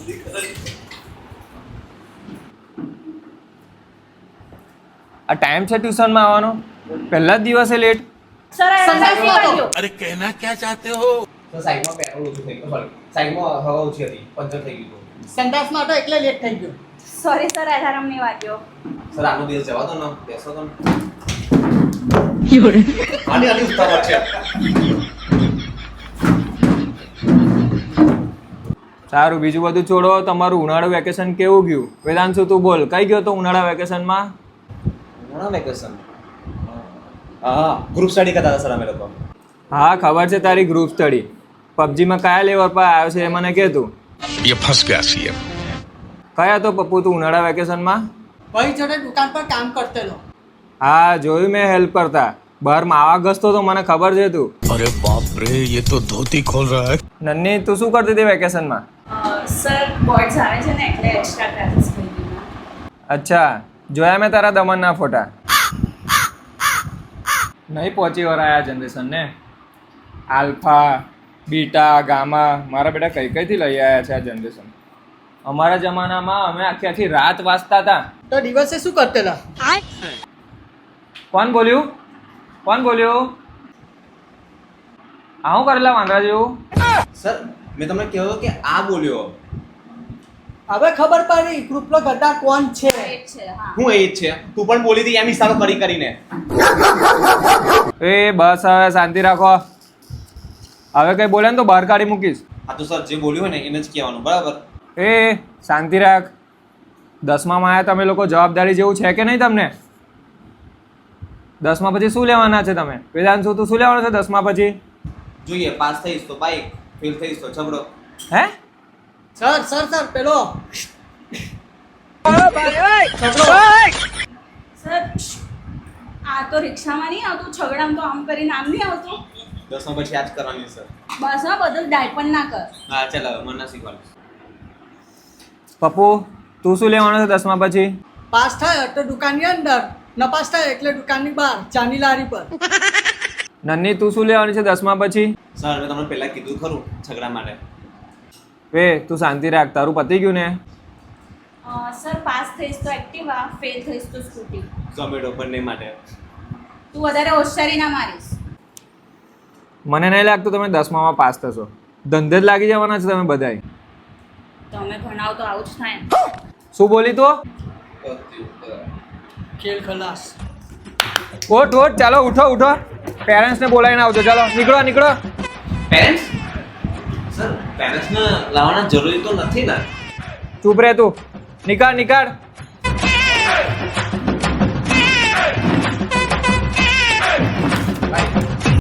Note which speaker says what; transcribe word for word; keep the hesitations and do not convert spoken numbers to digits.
Speaker 1: આ ટાઈમ છે ટ્યુશનમાં આવવાનો, પહેલા જ દિવસે લેટ.
Speaker 2: સર
Speaker 3: अरे कहना क्या चाहते हो?
Speaker 4: તો સાઈડમાં પેટ્રોલ ઓછું થઈ ગયું, સોરી સાઈડમાં હવા ઓછી હતી, પંચર થઈ ગયું હતું.
Speaker 5: સેન્ટાસમાં હતો એટલે લેટ થઈ ગયો.
Speaker 2: સોરી સર, અલાર્મ નહીં વાગ્યો.
Speaker 4: સર આનો દિવસ જવા દો ને, બેસો તો ને. આની આની ઉતાવળ છે.
Speaker 1: સારું, બીજું બધું છોડો. તમારું ઉનાળુ વેકેશન કેવું ગયું? વેદાંશુ તું બોલ, કઈ ગયો તો ઉનાળા વેકેશનમાં?
Speaker 4: ઉનાળા વેકેશન હા ગ્રુપ સ્ટડી કરતા હતા સર અમે લોકો.
Speaker 1: હા ખબર છે તારી ગ્રુપ સ્ટડી. પબજીમાં કયા લેવલ પર આવ્યો છે એ મને કહે તું.
Speaker 3: ये फंस गया सीएम.
Speaker 1: કયા તો પપ્પુ તું ઉનાળા વેકેશનમાં?
Speaker 5: ભાઈ જોડે દુકાન પર કામ કરતેલો.
Speaker 1: હા જોયું મેં, હેલ્પ કરતા. બહાર માવા ગસતો તો મને ખબર છે તું.
Speaker 3: अरे बाप रे, ये तो धोती खोल रहा है.
Speaker 1: નન્ની તું શું કરતી હતી વેકેશનમાં?
Speaker 2: સર બોર્ડ્સ આવે છે ને એટલે એક્સ્ટ્રા ક્લાસીસ કરી દીધા.
Speaker 1: અચ્છા, જોયા મેં તારા દમનના ફોટા. નહીં પહોંચી વળાયા જનરેશનને. આલ્ફા બીટા ગામા મારા બેટા કઈ કઈથી લઈ આવ્યા છે આ જનરેશન. અમારા જમાનામાં અમે આખી આખી રાત વાંચતા હતા.
Speaker 5: તો દિવસે શું કરતેલા?
Speaker 1: કોણ બોલ્યું? કોણ બોલ્યું? આવું કરેલા વાંદરા જેવું?
Speaker 4: સર મેં તમને કહ્યું કે આ બોલ્યો.
Speaker 5: હવે ખબર પડી ગ્રુપનો ગદ્દાર કોણ છે.
Speaker 2: Right છે, હા.
Speaker 4: હું એ જ છે, તું પણ બોલી હતી એમ હિસાબો કરી કરીને.
Speaker 1: એ બસ હવે શાંતિ રાખો. હવે કઈ બોલે ને તો બહાર કાઢી મૂકીશ.
Speaker 4: આ તો સર જે બોલ્યું હોય ને એને જ કહેવાનું, બરાબર?
Speaker 1: એ શાંતિ રાખ. દસમામાં આવ્યા તમે લોકો, જવાબદારી જેવું છે કે નહીં તમને? દસમા પછી શું લેવાના છે તમે? વેદાંશુ તું શું લેવાનું છે દસમા પછી?
Speaker 4: જોઈએ પાસ થઈશ તો બાઈક, ફેલ થઈશ તો છબડો.
Speaker 1: હે
Speaker 5: સર સર સર પેલો
Speaker 2: સર આ તો રિક્ષામાં નહીં આવતું, છગડામાં તો આમ કરીને આમ નહીં આવતું.
Speaker 4: દસમા પછી આ જ કરવાની સર.
Speaker 2: બસ હા, બધું ડાયપણ ના કર.
Speaker 4: હા ચાલો મને ના શીખવાનું.
Speaker 1: પપ્પુ તું શું લેવાનું છે દસમા પછી?
Speaker 5: પાસ થાય તો દુકાનની અંદર, ન પાસ થાય એટલે દુકાનની બહાર ચાની લારી પર.
Speaker 1: નન્ની તું શું લેવાની છે દસમા પછી?
Speaker 4: સર મેં તમને પહેલા કીધું ખરું ઝઘડા માટે.
Speaker 1: વે તું શાંતિ રાખ, તારું પતી ગયું ને?
Speaker 2: અ, સર પાસ થઈશ તો એક્ટિવા, ફેલ થઈશ તો સ્કૂટી.
Speaker 4: ઝોમેટો બંને માટે.
Speaker 2: તું વધારે હોશિયારી ના મારીશ.
Speaker 1: મને નહીં લાગતું તમે દસમામાં પાસ થશો. ધંધે જ લાગી જવાના છે તમે બધાય.
Speaker 2: તમે ભણાવો તો આવું જ થાય ને.
Speaker 1: શું બોલી તો?
Speaker 5: ખેલ ખલાસ.
Speaker 1: ઓઠ ઓઠ, ચાલો ઉઠો ઉઠો. પેરેન્ટ્સને બોલાવીને આવજો. ચાલો નીકળો નીકળો.
Speaker 4: પેરેન્ટ્સ? સર પેરેન્ટ્સને લાવવાના જરૂરી તો નથી ને.
Speaker 1: ચૂપ રહે તું. નીકાળ નીકાળ.